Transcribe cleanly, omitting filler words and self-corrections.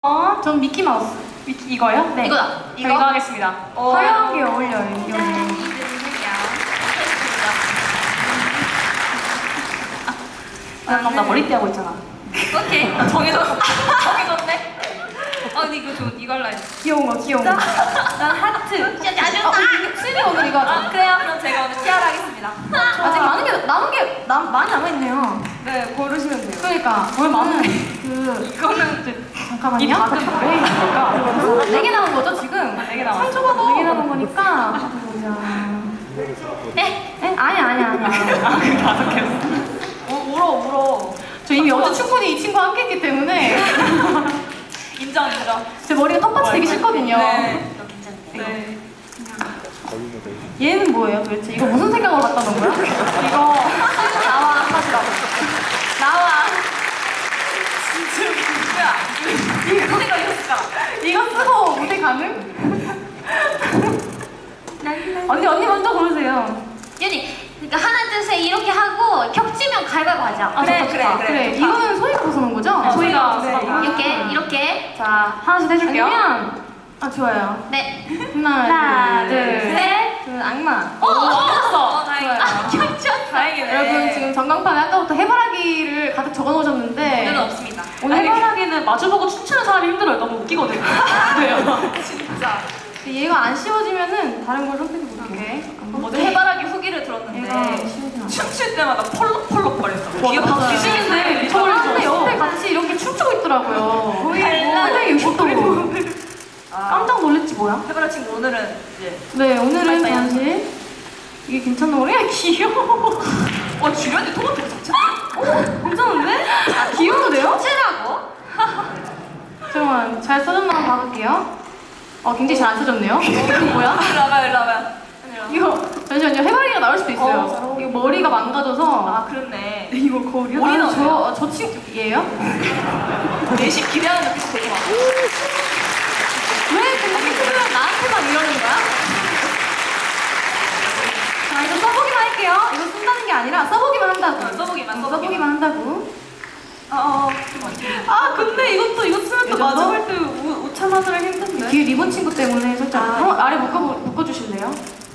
전 미키마우스. 이거요? 네. 이거다. 이거 하겠습니다. 화려하게 어울려요, 이 언니. 나 머리띠 하고 있잖아. 오케이. 정해졌네. 근데 이거 할라 했어. 귀여운 거, 귀여운 거. 난 하트. 진짜 아쉽다. 슬비 오늘 이거 하자. 그래요. 그럼 제가 오늘 티아라 하겠습니다. 아직 많이 남아있네요. 네, 고르시면 돼요. 그러니까, 뭘 많은 이거는 이제 잠깐만요. 이 다들 왜 있는 걸까? 4개 남은 거죠, 지금? 4개 남았어. 상조가 4개 남은 거니까. 보자. 네. 아니야. 그 5개였어. 울어. 저 이미 어제 충분히 이 친구와 함께 했기 때문에. 인정. 제 머리가 텃밭이 되기 싫거든요. 네. 네. 얘는 뭐예요 도대체? 이거 무슨 생각으로 갖다 놓은 거야? 이거 나와 하시라고. 나와. 진짜 무슨 생각이었을까? 이거 쓰고 무대 가능? 언니 먼저 고르세요. 윤이, 그러니까 하나 둘 셋 이렇게 하고 겹치면 가위바위보 하자. 그래. 이거는 소희가 벗어놓은 거죠? 네, 소희가 이렇게. 자 하나씩 해줄게요. 아니면 좋아요. 네. 하나, 둘, 셋. 셋. 악마. 겹쳤어. 다행이다. 겹쳤어. 다행이네. 여러분 지금 전광판에 아까부터 해바라기를 가득 적어놓으셨는데 오늘은 없습니다. 오늘 해바라기는 마주보고 춤추는 사람이 힘들어요. 너무 웃기거든요. 왜요? 진짜. 얘가 안 씌워지면은 다른 걸 선택해볼게. 어제 해바라기 후기를 얘가 들었는데 씌워지면 안 돼. 춤출 때마다 펄럭펄럭 거렸어. 맞아요. 귀엽다. 귀신인데 근데 옆에 미쳐버리죠. 같이 이렇게 춤추고 있더라고요. 거의 달라. 360도. 깜짝 놀랐지 뭐야? 해바라 친구 오늘은 이제 네, 오늘은 빨리 사실 이게 괜찮나 그래? 귀여워. 주변에 토마토 자체. 괜찮은데? 귀여운데요? 찌라고? 잠깐만, 잘 써졌나 한번 봐볼게요. 굉장히 잘 안 써졌네요. 이거 뭐야? 일로 와봐요. 이거 잠시만요. 해바라기가 나올 수도 있어요. 이거 머리가 망가져서. 그렇네. 이거 거울이요? 머리는 저 친구 얘예요? 내심 기대하는 눈빛이 되게 많아. 왜 근데 친구는 나한테만 이러는 거야? 자, 이거 써보기만 할게요. 이거 쓴다는 게 아니라 써보기만 한다고. 써보기만. 한다고. 근데 이거 쓰면 또 마주할 때 5,000원을 힘든데. 뒤에 리본 친구 때문에 살짝 아래 묶어주실래요?